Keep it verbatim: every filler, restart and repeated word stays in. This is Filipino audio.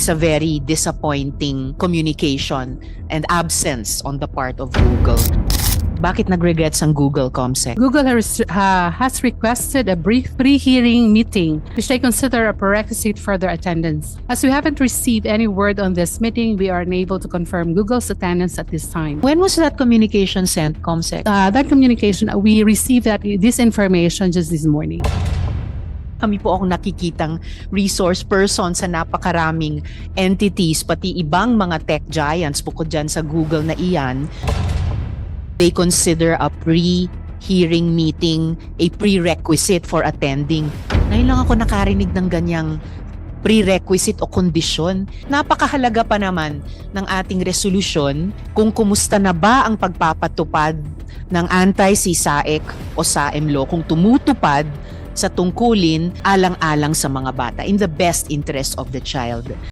It's a very disappointing communication and absence on the part of Google. Bakit nag-regrets ang Google, Comsec? Google has, uh, has requested a brief pre-hearing meeting, which they consider a prerequisite for their attendance. As we haven't received any word on this meeting, we are unable to confirm Google's attendance at this time. When was that communication sent, Comsec? Uh, that communication, uh, we received that this information just this morning. Kami po akong nakikitang resource person sa napakaraming entities, pati ibang mga tech giants bukod dyan sa Google na iyan. They consider a pre-hearing meeting a prerequisite for attending. Ngayon lang ako nakarinig ng ganyang prerequisite o kondisyon. Napakahalaga pa naman ng ating resolusyon kung kumusta na ba ang pagpapatupad ng anti-C S A E C o S A M law, kung tumutupad sa tungkulin alang-alang sa mga bata in the best interest of the child.